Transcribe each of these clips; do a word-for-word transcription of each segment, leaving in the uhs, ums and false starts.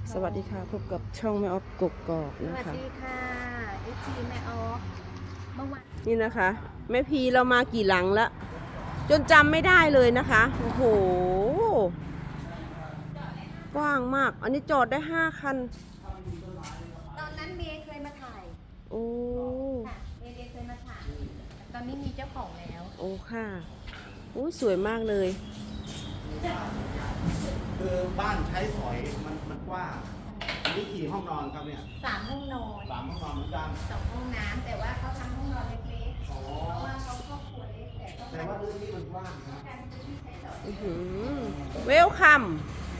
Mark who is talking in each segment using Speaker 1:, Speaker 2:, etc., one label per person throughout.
Speaker 1: สวัสดีค่ะพบกับช่องแม่ออฟกกอก
Speaker 2: ส
Speaker 1: นะ
Speaker 2: วัส
Speaker 1: คะ
Speaker 2: ดีค่ะเอฟซีแม่ออฟเมื่อวาน
Speaker 1: นี่นะคะแม่พีเรามากี่หลังละจนจำไม่ได้เลยนะคะโอ้โหกว้างมากอันนี้จอดได้ห้าคัน
Speaker 2: ตอนนั้นเมย์เคยมาถ่าย
Speaker 1: โอ้
Speaker 2: ค่ะเมย์เคยมาถ่ายตอนนี้มีเจ้าของแล้ว
Speaker 1: โอ้ค่ะโอ้สวยมากเลย
Speaker 3: คือบ้านใช้สอยมันมันกว้างนี่กี่ห้องนอนครับเนี่ย
Speaker 2: สามห้องนอน
Speaker 3: สามห้องนอนเหมือนกัน
Speaker 2: สองห้องน้ำแต่ว่าเขาทำห้องนอนเล็กๆ
Speaker 3: อ๋อ
Speaker 2: เพราะว่าเขาครอบครัวเล็กแต่ต้อง
Speaker 3: แต่ว่าพื้นที่มันกว้างนะ
Speaker 2: การพื้นที่ใช้สอย
Speaker 1: อื้อหือเวลคัม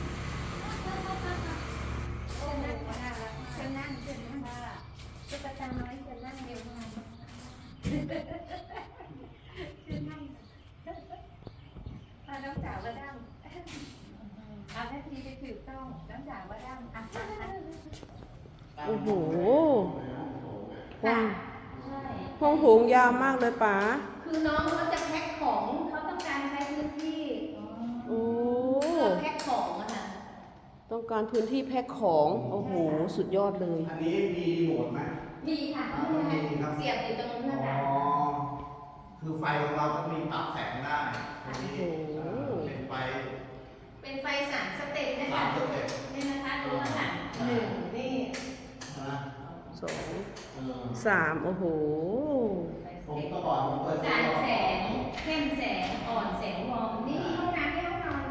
Speaker 2: เชิญนั่งค่ะเชิญนั่งเชิญนั่งค่ะตุ๊กตาน้อยเชิญนั่งเร็วหน่อยเชิญนั่งมาน้องสาวมาดั้งเอาแม่ทีไปถือต้องน้องสาวมาดั้งอ่ะ
Speaker 1: โอ้โหกว้าง
Speaker 2: ใช่
Speaker 1: ห้องโถงยาวมากเลยป๋า
Speaker 2: คือน้องเขาจะแพ็คของเขาต้องการใช้พื้นที่
Speaker 1: โอ้
Speaker 2: เพื่อแพ็คของอะค่ะ
Speaker 1: ต้องการพื้นที่แพ็คของโอ้โหสุดยอดเลย
Speaker 3: อันนี้มีโหมดไหม
Speaker 2: มีค่ะเสียบอยู่ตรงนู้น
Speaker 3: อ๋
Speaker 2: นะ
Speaker 3: อ
Speaker 2: คะ
Speaker 3: คือไฟของเราต้องมีปรับแสงได้ตรงนี้
Speaker 1: โอ้โห
Speaker 3: เป็นไฟ
Speaker 2: เป็นไฟสามสเต็ปนะ
Speaker 3: สา
Speaker 2: คะ
Speaker 3: มสเต็ป
Speaker 2: นี่นะคะตัวค่ะหนึ่งนี่
Speaker 3: นะ
Speaker 1: สอง
Speaker 3: เออ
Speaker 1: สามโอ้โห
Speaker 3: ผมก็บอกผมเปิด
Speaker 2: สารแสงเข้มแสงอ่อนแสงวอร์มนี่ห้องน้ำที่ห้องนอน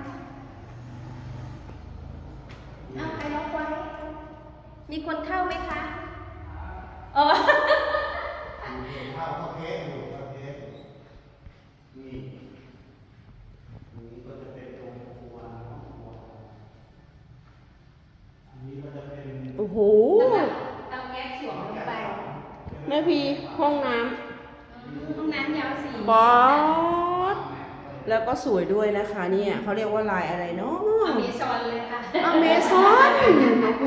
Speaker 2: เอาใครล็อกไว้มีคนเข้าไหมคะอ๋อ
Speaker 3: เข้าเข้าเทสอยู่เข้าเทสอยู่นี่นี่ก็จะเป็นตรงครัวห้องครัวอันนี้ก็จะเป็น
Speaker 1: โอ้โห
Speaker 2: เตาแก๊สสวมลงไป
Speaker 1: แม่พีห้องน้
Speaker 2: ห้องน้ำยาวสี่
Speaker 1: ำบอสแล้วก็สวยด้วยนะคะเนี่ยเขาเรียกว่าลายอะไรเนาะ
Speaker 2: อเมซอนเลยค่ะ
Speaker 1: อเมซอนโอ้โห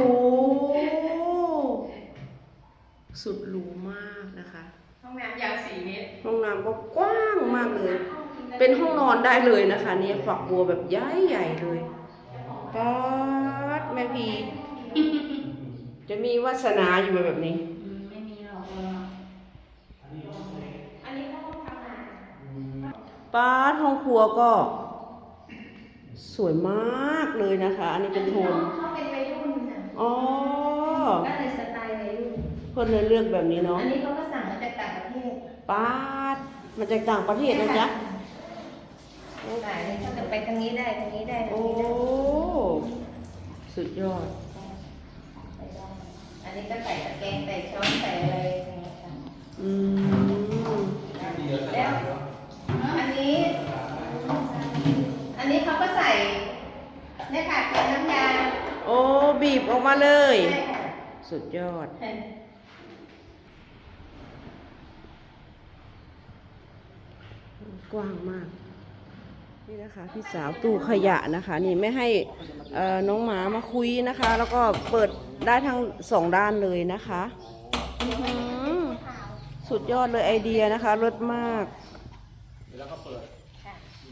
Speaker 1: สุดหรูมากนะคะ
Speaker 2: ห้องน้ำยาวสี่เมตร
Speaker 1: ห้องน้ำก็กว้างมากเลย เป็นห้องนอนได้เลยนะคะเนี่ยฝักบัวแบบใหญ่ใหญ่เลยบอสแม่พีจะมีวาสนาอยู่แบบนี้
Speaker 2: อืมไม่มีหรอกอันนี้เขาห้องทำงาน
Speaker 1: ป้าดห้องครัวก็ สวยมากเลยนะคะ อันนี้เป็นโทน
Speaker 2: เขาเป็นวัยรุ่นน่ะ
Speaker 1: อ๋อ
Speaker 2: ก็เลยสไตล์วัยรุ่น
Speaker 1: เพื่อนเลยเลือกแบบนี้เนาะ
Speaker 2: อันนี้เขาก็สั่งมาจากต่างประเทศ
Speaker 1: ป้าดมาจากต่างประเทศนะจ๊ะ
Speaker 2: หลายเลยเขาจะไปทางนี้ได้ทางนี้ได้ทาง
Speaker 1: โอ้
Speaker 2: นี้ได้
Speaker 1: สุดยอด
Speaker 2: อันนี้ก็ใส่ตะแกรงใส่ช้อนใส่อะไรอย่างเงี้ยค่ะ
Speaker 1: อืม
Speaker 2: แล้วอันนี้ อันนี้เขาก็ใส่เนี่ยค่ะเป็นน้ำยา
Speaker 1: โอ้บีบออกมาเลย
Speaker 2: ใช่ค่ะ
Speaker 1: สุดยอด กว้างมาก นี่นะคะพี่สาวตู้ขยะนะคะ นี่ไม่ให้เอ่อน้องหมามาคุยนะคะ แล้วก็เปิดได้ทั้งสองด้านเลยนะคะอื้อหือสุดยอดเลยไอเดียนะคะรสมาก
Speaker 3: แล้วก็เปิด
Speaker 2: ค่ะ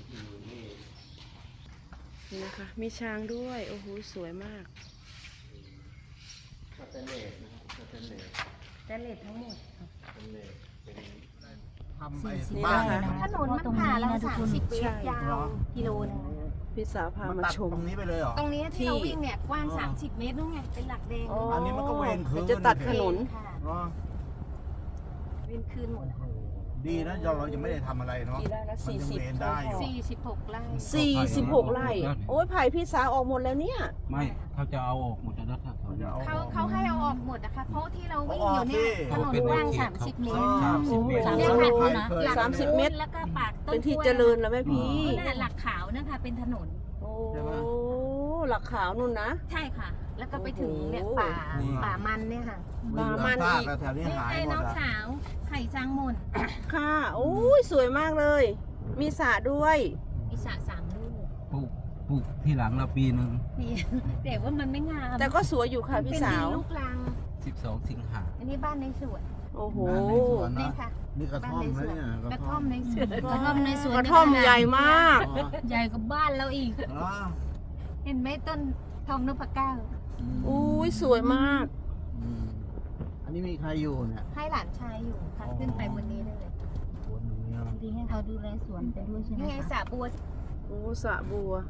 Speaker 1: นี่นะคะมีช้างด้วยโอ้โหสวยมาก
Speaker 3: สเตนเลสนะครับสเตนเลส
Speaker 2: แตเลททั้งหมด
Speaker 3: สเตนเลสเป็นทำไอ้
Speaker 1: นี่
Speaker 3: บ้าน
Speaker 1: นะคะ
Speaker 2: ถนนมันผ่าเราสามสิบเมตรยาวกิโลนึง
Speaker 1: พี่สาวพา
Speaker 3: มัน
Speaker 1: มา
Speaker 3: ตัด
Speaker 1: ชม
Speaker 3: ตรงนี้ไปเลยเหรอ
Speaker 2: ตรงนี้ที่เราวิ่งเนี่ยกว้างสามสิบเมตรนู่นไงเป็นหลักแดง
Speaker 1: อ๋อ
Speaker 3: อันนี้มันก็เวรคืน
Speaker 1: มันจะตัดถนน
Speaker 2: ค่ะ
Speaker 3: เนาะ
Speaker 2: เว้นคืนหมดอะค่ะ
Speaker 3: ดีนะเราเรายังไม่ได้ทำอะไรเนาะ
Speaker 1: กี่ไร่นะ
Speaker 3: มันยัง
Speaker 1: สี่สิบ
Speaker 3: เวรได้อยู่
Speaker 2: สี่สิบหกไร่
Speaker 1: สี่สิบหกไร่ โอ้ยไผ่พี่สาวออกหมดแล้วเนี่ย
Speaker 4: ไม่เขาจะเอาออกหมดแล้วถ้าเขา
Speaker 3: เขาจะเอา
Speaker 2: เขาเขาให้เอาออกหมดนะคะเพราะที่เราวิ่ง
Speaker 3: เอา
Speaker 2: อ
Speaker 3: ออก
Speaker 2: ยู่เนี่ย
Speaker 3: สิ
Speaker 2: ถนนกว้างสามสิบเมตร
Speaker 4: สามสิบเมตร
Speaker 1: โอ้โห
Speaker 2: เนี่ยค่ะ
Speaker 3: เคย
Speaker 2: หลัก
Speaker 1: สามสิบเมตร
Speaker 2: แล้วก็ปากต้น
Speaker 1: เป็นที่
Speaker 2: กล้วย
Speaker 1: เจริญแล้วแม่พี่
Speaker 2: นั่นน่ะหลักขาวนะคะเป็นถนน
Speaker 1: โอ้หลักขาวนู่นนะ
Speaker 2: ใช่ค่ะ แล้วก็ไปถึงเนี่ยป่า
Speaker 3: โอ้โห
Speaker 2: ป่ามันเนี่ยค่ะ
Speaker 1: ป่ามัน
Speaker 3: ซาก
Speaker 1: อีก
Speaker 3: แล้วแถวนี้
Speaker 2: นี่
Speaker 3: หาย
Speaker 2: ไอ้
Speaker 3: หม
Speaker 2: น้อ
Speaker 3: ด
Speaker 2: ง
Speaker 3: อะ
Speaker 2: สาวไข่จางหมน
Speaker 1: ค่ะโอ้ยสวยมากเลย มีสระด้วย
Speaker 2: อิสระสามลูก
Speaker 4: ปลูกปลูกที่หลังเราปีหนึ่ง
Speaker 2: นี่ แต่ว่ามันไม่งาม
Speaker 1: แต่ก็สวยอยู่ค่ะพี่สาว
Speaker 2: เป็นดินลูกรัง
Speaker 4: สิบสองสิงหา
Speaker 2: อันนี้บ้านในสวน
Speaker 1: โอ้โห
Speaker 3: ในสวน
Speaker 2: นี่
Speaker 3: นะ
Speaker 2: ค่ะ
Speaker 3: นี่กระท่อมนะเนี่ย
Speaker 2: กระท่อมในสวน
Speaker 1: กระท่อมในสวนกระท่อมใหญ่มาก
Speaker 3: อ๋อ
Speaker 2: ใหญ่กว่าบ้านเราอีก
Speaker 3: อ๋อ
Speaker 2: เห็นไหมต้นทองนพเก้า
Speaker 1: อู้ยสวยมาก
Speaker 3: อืมอันนี้มีใครอยู่เนี่ย
Speaker 2: ให้หลานชายอยู่ค่ะ
Speaker 3: อ๋อ
Speaker 2: ขึ้นไปบนนี้ได้เลย
Speaker 3: บนนี้นะ
Speaker 5: ดีให้เขาดูแลสวนไปด้วยใช่ไหม
Speaker 2: นี่ไง
Speaker 5: คะ
Speaker 2: สระบัว
Speaker 1: โอ้สระบัว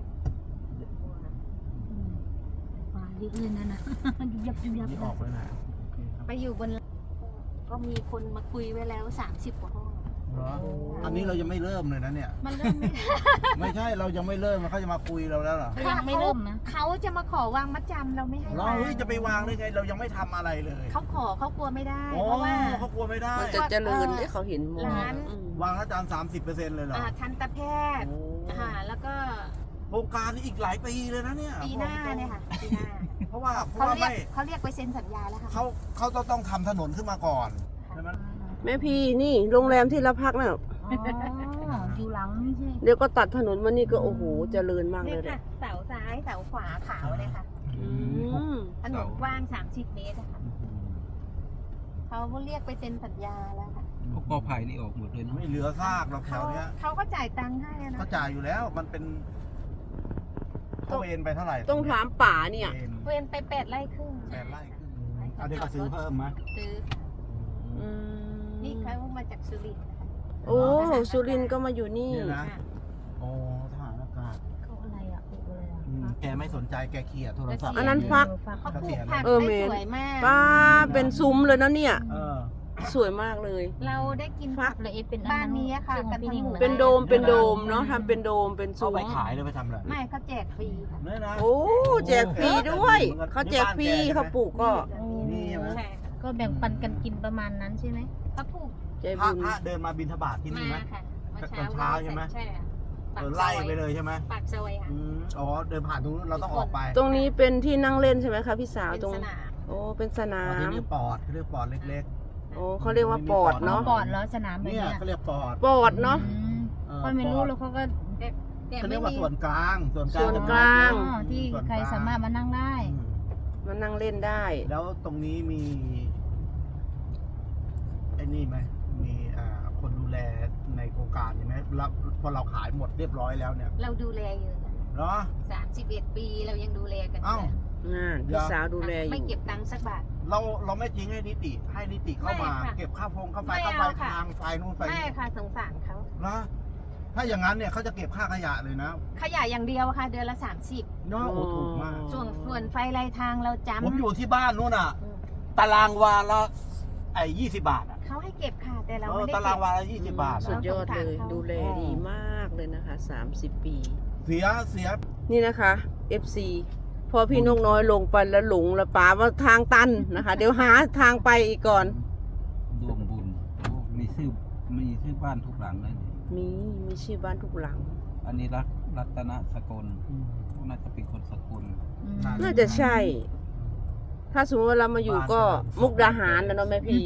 Speaker 5: อืมป่าเยอะเลยนะนะ ยุบยับยุบยับ
Speaker 3: นี่
Speaker 5: เล
Speaker 3: ออย กไปไหนโอเคครับ
Speaker 2: ไปอยู่บนก็มีคนมาคุยไว้แล้วสามสิบกว่าห้อง
Speaker 3: เหรออันนี้เรายังไม่เริ่มเลยนะเนี่ย
Speaker 2: มันเริ่มไม่ได้
Speaker 3: ไม่ใช่เรายังไม่เริ่มมันเขาจะมาคุยเราแล้วเหรอ
Speaker 5: ยังไม่เริ่มนะ
Speaker 2: เขาจะมาขอวางมัดจำเราไม่ให้
Speaker 3: เรา
Speaker 2: วาง
Speaker 3: เฮ้ยจะไปวางได้ไงเรายังไม่ทำอะไรเลย
Speaker 2: เขาขอเขากลัวไม่ได้
Speaker 3: โอ้
Speaker 2: เพราะว่า
Speaker 3: เขากลัวไม่ได้
Speaker 1: มันจะเจริญที่เขาเห็นหมด
Speaker 2: ร้าน
Speaker 1: อืม
Speaker 3: วางแล้วจานสามสิบเปอร์เซ็นต์เลยเหรอ
Speaker 2: อ่าทันตแพทย์
Speaker 3: โอ้
Speaker 2: ค่ะแล้วก็
Speaker 3: โครงการนี้อีกหลายปีเลยนะเนี่ย
Speaker 2: ปีหน้าเนี่ยค่ะปีหน้า
Speaker 3: เพราะว่าเพราะ
Speaker 2: เขา
Speaker 3: ว่า
Speaker 2: เรียก
Speaker 3: ไม่
Speaker 2: เขาเรียกไปเซ็นสัญญาแล้วค่ะ
Speaker 3: เขาเขาต้องต้องทำถนนขึ้นมาก่อนใช่ไหม
Speaker 1: แม่พี่นี่โรงแรมที่เราพักน่ะ
Speaker 5: อ๋ออยู่หลังนี่ใช่
Speaker 1: เดี๋ยวก็ตัดถนนมานี่ก็โอ้โหเจริญมากเล
Speaker 2: นี่
Speaker 1: ยแห
Speaker 2: ค่ะ
Speaker 1: ละ
Speaker 2: เสาซ้ายเสาขวาขาวเลยค่ะ
Speaker 1: อืม
Speaker 2: ถนนกว้างสามสิบเมตรอะค่ะเขาเรียกไปเซ็นสัญญาแล้วค่ะ
Speaker 4: พวกกอไผ่นี่ออกหมดเลยเนาะ
Speaker 3: ไม่เหลือซากหรอกแถ
Speaker 2: เขา
Speaker 3: วเนี้ย
Speaker 2: เขาก็จ่ายตังค์ให้อะนะ
Speaker 3: เขาจ่ายอยู่แล้วมันเป็นเขาเอนไปเท่าไหร่
Speaker 1: ต้องถามป่าเนี่ย
Speaker 3: เอน
Speaker 2: เว้นไปแปดไร่ครึ่ง
Speaker 3: แปดไร่ขึ้นเอาเด็กก็ซื้อเพิ่มไหม
Speaker 2: ซื้อค่ะ
Speaker 1: อืม
Speaker 2: นี่เขามาจากสุรินทร์นะคะ
Speaker 1: โอ้สุรินทร์ก็มาอยู่นี่
Speaker 3: เนี่ยนะ
Speaker 2: ค่ะ
Speaker 3: โอ้ทหารอากาศ
Speaker 5: เขาอะไรอ่ะปลูกอะไรอ่ะ
Speaker 3: อืมแกไม่สนใจแกเขี่ยโทรศัพท์
Speaker 1: อันนั้นฟัก
Speaker 2: เขาปลูกผัก
Speaker 1: เออเม
Speaker 2: ได้
Speaker 1: น
Speaker 2: สวยมาก
Speaker 1: ป้าเป็นซุ้มเลยนะเนี่ย
Speaker 3: เออ
Speaker 1: สวยมากเลย
Speaker 2: เราได้กิน
Speaker 1: ฟั
Speaker 2: ผั
Speaker 1: ก
Speaker 2: ก
Speaker 5: ละเอ็ดเป็น
Speaker 2: บ้านนี้อะค่ะ
Speaker 5: ซึ่งของพี่นิ่ง
Speaker 2: กันทั้งหมู่
Speaker 1: เป็นโดมเป็นโดมเนาะทำเป็นโดมเป็น
Speaker 3: เอา
Speaker 1: ซุ้ม
Speaker 3: ไปขายเลยไปทำอะไร
Speaker 2: ไม่เขาแจกฟรีค่ะ
Speaker 3: เนี่ยนะ
Speaker 1: โอ้แจกฟรีด้วยเขาแจกฟรีเขาปลูกก็
Speaker 3: นี่ใช่ไหม
Speaker 2: ใช่ค่ะ
Speaker 5: ก็แบ่งปันกันกินประมาณนั้นใช่ไหม
Speaker 2: เขาปลูก
Speaker 1: ใจ
Speaker 3: พระ
Speaker 1: บุญ
Speaker 3: พระเดินมาบิณฑบาตที่นี่
Speaker 2: มา
Speaker 3: ไหม
Speaker 2: ค่ะเมื่อ
Speaker 3: ตอนเช้าใช่ไหม
Speaker 2: ใช่ค่ะ
Speaker 3: เออไล่ไปเลยใช่ไหม
Speaker 2: ปากซอยค่ะ
Speaker 3: อืมอ๋อเดินผ่านตรงนู้นเราต้องออกไป
Speaker 1: ตรงนี้เป็นที่นั่งเล่นใช่ไหมคะพี่สาว
Speaker 2: เป็น
Speaker 1: ตรง
Speaker 2: สนาม
Speaker 1: โอ้เป็นสนา
Speaker 3: อ๋อที่
Speaker 1: ม
Speaker 3: นี่ปอดเขาเรียกปอดเล็ก
Speaker 1: โอ้เขาเรียกว่าปอดเนาะ
Speaker 5: ปอดแล้วสนาม
Speaker 3: ๆ
Speaker 5: แบบ
Speaker 3: เนี่ย
Speaker 5: เนี้ย
Speaker 3: เขาเรียกปอด
Speaker 1: ปอดเนาะ
Speaker 5: อืม
Speaker 3: เออ
Speaker 5: ก็ไม่รู้
Speaker 3: ปอด
Speaker 5: แล้วเขาก็
Speaker 2: แต่แต่
Speaker 3: เขา
Speaker 2: ไม่
Speaker 3: เรียกว่า
Speaker 2: มี
Speaker 3: ส่วนกลาง ส่วนกลาง
Speaker 1: ส่วน
Speaker 3: จะ
Speaker 1: กลาง
Speaker 5: อ๋อที่ใครสามารถมานั่งได้
Speaker 3: อืม
Speaker 1: มานั่งเล่นได้
Speaker 3: แล้วตรงนี้มีไอ้นี่ไหมมีอ่าคนดูแลในโครงการใช่ไหมแล้วพอเราขายหมดเรียบร้อยแล้วเนี่ย
Speaker 2: เราดูแลอยู่
Speaker 3: เหรอ
Speaker 2: สามสิบเอ็ดปีเรายังดูแลกันอยู่
Speaker 3: เอ้า
Speaker 1: งานพี่สาวดูแลอ
Speaker 2: ไม่
Speaker 1: ยู่
Speaker 2: เก็บตังค์สักบาท
Speaker 3: เราเราไม่ทิ้งให้นิติ ให้นิติเข้ามา
Speaker 2: ไม่ค่ะ
Speaker 3: เก็บค่าพงค่าไฟ
Speaker 2: ไม่
Speaker 3: ค่าไฟ
Speaker 2: เอาค่ะ
Speaker 3: ทางไฟนู่นไฟ
Speaker 2: ไม่
Speaker 3: นี่
Speaker 2: ค่ะสงสารเขา
Speaker 3: นะถ้าอย่างนั้นเนี่ยเขาจะเก็บค่าขยะเลยนะ
Speaker 2: ขยะอย่างเดียวค่ะ เดือนละสามสิบ
Speaker 3: เนาะโอ้ถูกมาก
Speaker 2: ส่วนส่วนไฟรายทางเราจำ
Speaker 3: ผมอยู่ที่บ้านนู่นอ่ะ ตารางวาละไอ้ยี่สิบบาทอ่ะ
Speaker 2: เขาให้เก็บค่ะ แต่เรา
Speaker 3: เออ
Speaker 2: ไม่ได้
Speaker 3: ตาราง
Speaker 2: เก็บ
Speaker 3: วาละยี่สิบบาท
Speaker 1: สุ
Speaker 3: อะ
Speaker 1: ดยอดเลย
Speaker 2: เขา
Speaker 1: ดูแลดีมากเลยนะคะสามสิบปี
Speaker 3: เสียเสีย
Speaker 1: นี่นะคะ เอฟ ซี พอพี่นกน้อยลงไปแล้วหลงแล้วป๋าว่าทางตันนะคะ เดี๋ยวหาทางไปอีกก่อน
Speaker 4: รวมบุญโอ้มีชื่อมีชื่อบ้านทุกหลังเลย
Speaker 1: มีมีชื่อบ้านทุกหลัง
Speaker 4: อันนี้รัตรัตนสกลน่าจะเป็นคนสกล
Speaker 5: อืม
Speaker 1: น่าจะใช่ ถ้าสมมติว่าเรามาอยู่ก็มุกดาหารนะเนาะแม่พี่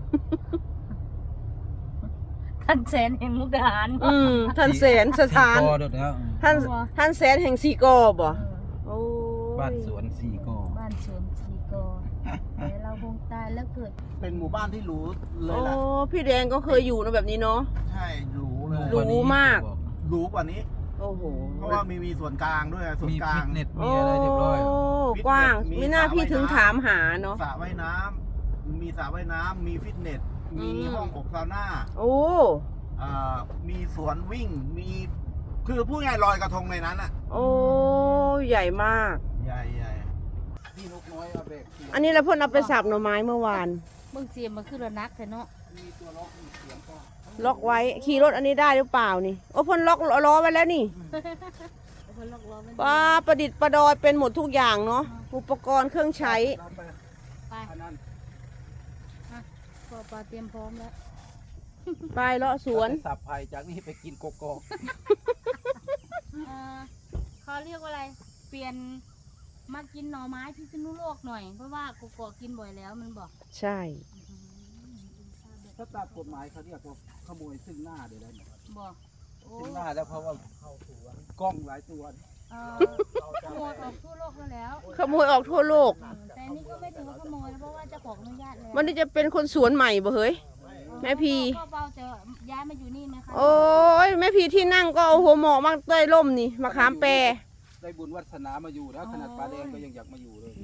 Speaker 5: ท่านแสนแห่งมุกดาหาร
Speaker 1: อืมท่านแสนสถาน
Speaker 4: สี่กอเดี๋ยวแล้ว
Speaker 1: ท่านท่านแสนแห่งสีกอบ่โอ้ย
Speaker 4: บ้านสวนสี่กอ
Speaker 5: บ้านสวนสีกอแต่เราคงตายแล้วเกิด
Speaker 3: เป็นหมู่บ้านที่หรูเล
Speaker 1: โอ้
Speaker 3: ยแหละ
Speaker 1: พี่แดงก็เคยอยู่นะแบบนี้เนาะ
Speaker 3: ใช่หรูเลย
Speaker 1: หรูมาก
Speaker 3: หรูกว่านี้
Speaker 1: โอ้โห
Speaker 3: เพราะว่ามีมีส่วนกลางด้วยส่วน
Speaker 4: มี
Speaker 3: กลา
Speaker 4: ฟิ
Speaker 3: ง
Speaker 4: ตเนส
Speaker 1: โอ้
Speaker 4: มีอะไรเรียบร้อย
Speaker 1: กว้าง
Speaker 3: มี
Speaker 1: ไม่น่า
Speaker 3: สระ
Speaker 1: พี่ถึง
Speaker 3: ว่ายน้ำ
Speaker 1: ถามหาเนาะ
Speaker 3: สระว่ายน้ำมีสระว่ายน้ำมีฟิตเนส มี
Speaker 1: อืม
Speaker 3: ห้องอบซาวน่า
Speaker 1: โอ้
Speaker 3: อ่ามีสวนวิ่ง มีคือพูดง่ายๆลอยกระทงในนั้นอ่ะ
Speaker 1: โอ้ใหญ่มาก
Speaker 3: ใหญ่ใหญ่พี่นกน้อยเอาเบรก
Speaker 1: อันนี้เราเพิ่นเอาไปสับหน่อไม้เมื่อวาน
Speaker 5: มึงเสียมมาขึ้นระนักแต่เนาะ
Speaker 3: มีตัวล็อกมีเสียงก็
Speaker 1: ล็อกไว้ขี่รถอันนี้ได้หรือเปล่านี่โอ้เพิ่นล็อกล้อไว้แล้วนี่
Speaker 5: คนล็อกล้อไม่ได้
Speaker 1: ป้าประดิษฐ์ประดอยเป็นหมดทุกอย่างเนาะอุปกรณ์เครื่องใช้
Speaker 3: เราไป
Speaker 5: ไป
Speaker 3: อันนั้น
Speaker 5: อ่ะปอปลาเตรียมพร้อมแล้ว
Speaker 1: ไปเลาะสวน
Speaker 4: สับไผ่จากนี้ไปกินโกโก้
Speaker 5: เอ่อเขาเรียกว่าอะไร เปลี่ยนมากินหน่อไม้พิษณุโลกหน่อย เพราะว่าโกโก้กินบ่อยแล้วมันบอก
Speaker 1: ใช่
Speaker 4: ถ้าตามกฎหมายเขาเรียกว่าขโมยซึ่งหน้าเดี๋ยวแล้วเนี่ย
Speaker 5: บอกโอ้
Speaker 4: ซึ่งหน้าแล้วเพราะว่าเข้าสวนกล้องหลายตัว
Speaker 5: เอ่อขโมยออกทั่วโลกแล้วแล้ว
Speaker 1: ขโมยออกทั่วโลก
Speaker 5: เออแต่นี่ก็ไม่ถือว่าขโมยนะเพราะว่าเจ้าของอนุญาตแล้ว
Speaker 1: มันนี่จะเป็นคนสวนใหม่บ่เฮ้ย แม่พี
Speaker 5: ก็เบาจะย้ายมาอยู่นี่ไหมคะ
Speaker 1: โอ้ยแม่พี่ที่นั่งก็เอาหัวหมอกมาเต้ยล่มนี่มาขามแปร
Speaker 4: ได้บุญวัฒนามาอยู่แล้วขนาดปลาแดงก็ยังอยากมาอยู่เลย
Speaker 1: น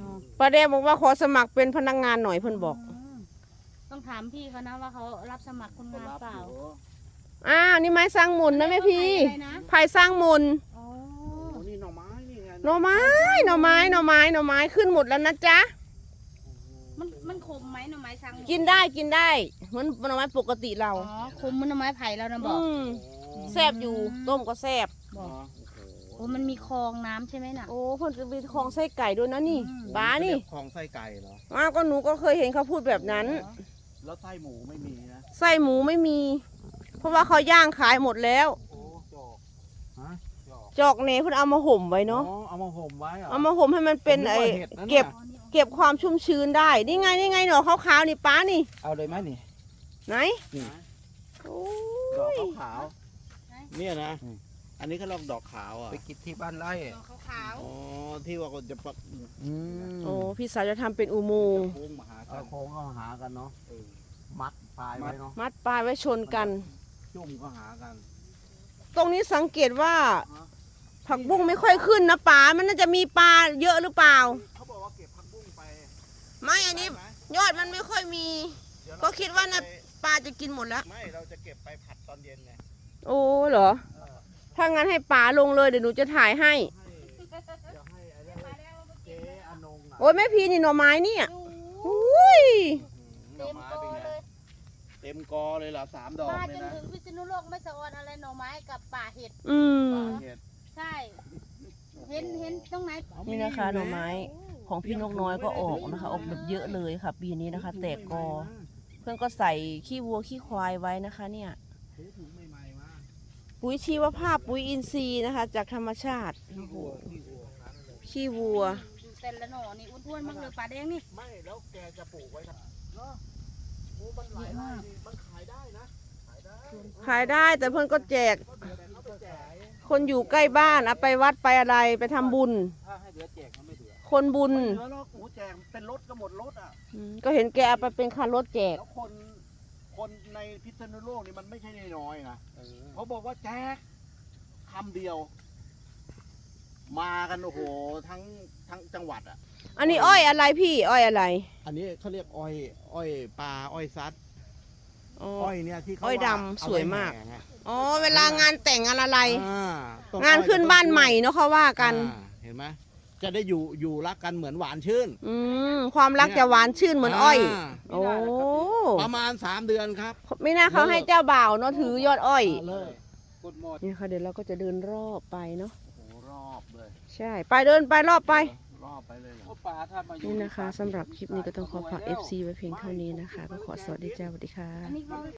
Speaker 5: นาะ
Speaker 1: ป้าแดงบอกว่าขอสมัครเป็นพนักงานหน่อยเพิ่นบอก
Speaker 5: มต้องถามพี่เขานะว่าเขารับสมัครคนงานเปล่า
Speaker 1: อ้าวนี่ไม้สร้างหมุนนะแม่พี่
Speaker 5: อะไรนะ
Speaker 1: ไผ่สร้างหมุน
Speaker 5: อ๋อ
Speaker 4: โอ้นี่หน่อไม้นี่ไง
Speaker 1: หน่อไม้หน่อไม้หน่อไม้หน่อไม้ขึ้นหมดแล้วนะจ๊ะ
Speaker 5: มันมันขมไหมหน่อไม้สัง
Speaker 1: กินได้กินได้เหมือนหน่อไม้ปกติเรา
Speaker 5: อ๋อขมเหมันหน่อไม้ไผ่แล้วนะบอก
Speaker 1: อืมแซ่บอยู่ต้มก็แซ่บ
Speaker 5: บอกโอ้มันมีคลองน้ำใช่ไหมน่ะ
Speaker 1: โอ้เพิ่นจะมีคลองไส้ไก่ด้วยนะนี่
Speaker 5: อืม
Speaker 1: ป้านี่
Speaker 3: คลองไส้ไก่เหรอ
Speaker 1: อ้าวก็หนูก็เคยเห็นเขาพูดแบบนั้น
Speaker 4: แล้วไส้หมูไม่มีนะ
Speaker 1: ไส้หมูไม่มี เพราะว่าเขาย่างขายหมดแล้ว
Speaker 4: โอ้จอกฮะจอก
Speaker 1: จอกเนเพิ่นเอามาห่มไว้เนาะ
Speaker 4: อ๋อเอามาห่มไว้เหรอ
Speaker 1: เอามาห่มให้มันเป็น
Speaker 4: ผมนึก
Speaker 1: ไอ
Speaker 4: ว่าเห็ดนั่นน่ะ
Speaker 1: เก็บ
Speaker 5: อ๋อนี่
Speaker 1: เก็บความชุ่มชื้นได้ นี่ไงนี่ไงหนอขาวๆนี่ป้านี่
Speaker 4: เอาเลยไหมนี่
Speaker 1: ไหน
Speaker 4: นี่
Speaker 1: โอ้
Speaker 4: ดอก
Speaker 1: ย
Speaker 4: ขาว
Speaker 3: เนี่ยนะ อันนี้เขาเรียกดอกขาวอ่ะ
Speaker 4: ๆไปกินที่บ้านไร่
Speaker 5: ดอกขาว
Speaker 3: อ๋อ ที่ว่าจะปัก
Speaker 4: อืม
Speaker 1: โอ้พี่สาวจะทำเป็นอุโมงค์
Speaker 3: โค้งมาหากั
Speaker 4: เอา
Speaker 3: น
Speaker 4: โค้งก็หากันเนาะมัดปลายไว้เนาะ
Speaker 1: มัดปลายไว้ชนกัน
Speaker 4: จุ่มก็หากัน
Speaker 1: ตรงนี้สังเกตว่า ผักบุ้งไม่ค่อยขึ้นนะป๋ามันน่าจะมีปลาเยอะหรือเปล่า
Speaker 3: เขาบอกว่าเก็บผักบุ้งไป
Speaker 1: ไม่อันนี้
Speaker 3: ได้ไหม
Speaker 1: ยอดมันไม่ค่อยมี
Speaker 3: เดี๋ยวเร
Speaker 1: ก็คิดว่าน่ะ
Speaker 3: ไป
Speaker 1: ปลาจะกินหมดแล้ว
Speaker 3: ไม่ เราจะเก็บไปผัดตอนเย็นไง
Speaker 1: โอ้เหรอ ถ้างั้นให้ป๋าลงเลยเดี๋ยวหนูจะถ่ายให้
Speaker 3: ให้เดี๋ยวให้อะไรเจ๊อนงอ่ะ
Speaker 1: โอ้ยแม่พีนี่หน่อไม้เนี่ย
Speaker 5: ดู
Speaker 1: อุ้ย
Speaker 3: หน่อไม้เป็นไง เต็มกอเลยเหรอสามดอก
Speaker 5: มา
Speaker 3: เล
Speaker 5: จ
Speaker 3: ย
Speaker 5: น
Speaker 3: นะ
Speaker 5: ถึงพิษณุโลกไม่สะออนอะไรหน่อไม้กับป่าเห็ด
Speaker 1: อืม
Speaker 3: ป่าเห็ด
Speaker 5: ใช่ เห็นเห็นตรงไหน
Speaker 1: นี่นะคะหน่อไม้ของพี่นกน้อยก็ออกนะคะ ออกแบบเยอะเลยค่ะ ปีนี้นะคะ แตกกอ เพื่อนก็ใส่ขี้วัวขี้ควายไว้นะคะ เนี่ย
Speaker 4: ถือถุงใหม่ๆมา
Speaker 1: ปุ๋ยชีวภาพปุ๋ยอินทรีย์นะคะ จากธรรมชาติโอ้โหขี้วัว
Speaker 5: ดูแต่ละหน่อนี่อ้วนๆมากเลยป่าแดงนี่
Speaker 3: ไม่แล้วแกจะปลูกไว้ทำเนาะโอ้มันหลายไร่ดิมันขายได้นะ ขายได้
Speaker 1: ขายได้แต่เพื่อนก็แจก
Speaker 3: แต่เขาไปแจก
Speaker 1: คนอยู่ใกล้บ้านเอาไปวัดไปอะไรไปทำบุญ
Speaker 4: ถ้าให้เหลือแจกมันไม่เหลือ
Speaker 1: คนบุญ
Speaker 3: แล้วเนาะโอ้แจกเป็นรถก็หมดรถอ่ะ
Speaker 1: อืมก็เห็นแกเอาไปเป็นคันรถแจก
Speaker 3: แล้วคนคนในพิษณุโลกนี่มันไม่ใช่น้อยๆนะเขาบอกว่าแจกคำเดียว มากันโอ้โหทั้งทั้งจังหวัดอ่ะ
Speaker 1: อันนี้อ้อยอะไรพี่อ้อยอะไร
Speaker 3: อันนี้เขาเรียกอ้อย อ้อยปลาอ้อยซัด
Speaker 1: อ๋อ
Speaker 3: อ้อยเนี่ยที่เขา
Speaker 1: อ้อยดำ
Speaker 3: ว่าเอ
Speaker 1: สวยมาก
Speaker 3: ไแห่ไง
Speaker 1: อ๋อเวลางานแต่งงานอะไร
Speaker 3: อ่าต้
Speaker 1: งานขึ้นบ้านใหม่
Speaker 3: อ้อย
Speaker 1: เนาะเขาว่ากัน
Speaker 3: อ่าเห็นไหมจะได้อยู่อยู่รักกันเหมือนหวานชื่น
Speaker 1: อืมความรักจะหวานชื่นเหมือนอ้อย
Speaker 3: า
Speaker 1: โอ้
Speaker 3: ประมาณสามเดือนครับ
Speaker 1: ไม่น่าเขาให้เจ้าบ่าวเนาะถือยอดอ้อย
Speaker 3: มาเลย
Speaker 4: กดหมด
Speaker 1: นี่ค่ะเดี๋ยวเราก็จะเดินรอบไปเนาะ
Speaker 3: โอ้โหรอบเลย
Speaker 1: ใช่ ไปเดินไปรอบไป
Speaker 3: รอบไปเลยเหรอ
Speaker 4: ก็ปลาถ้ามาอยู่
Speaker 1: นี่นะคะสำหรับคลิปนี้ก็ต้องขอฝาก เอฟ ซี ไว้เพียงเท่านี้นะคะ ก็ขอสวัสดีจ้าสวัสดีค่ะ
Speaker 5: อันนี้เขา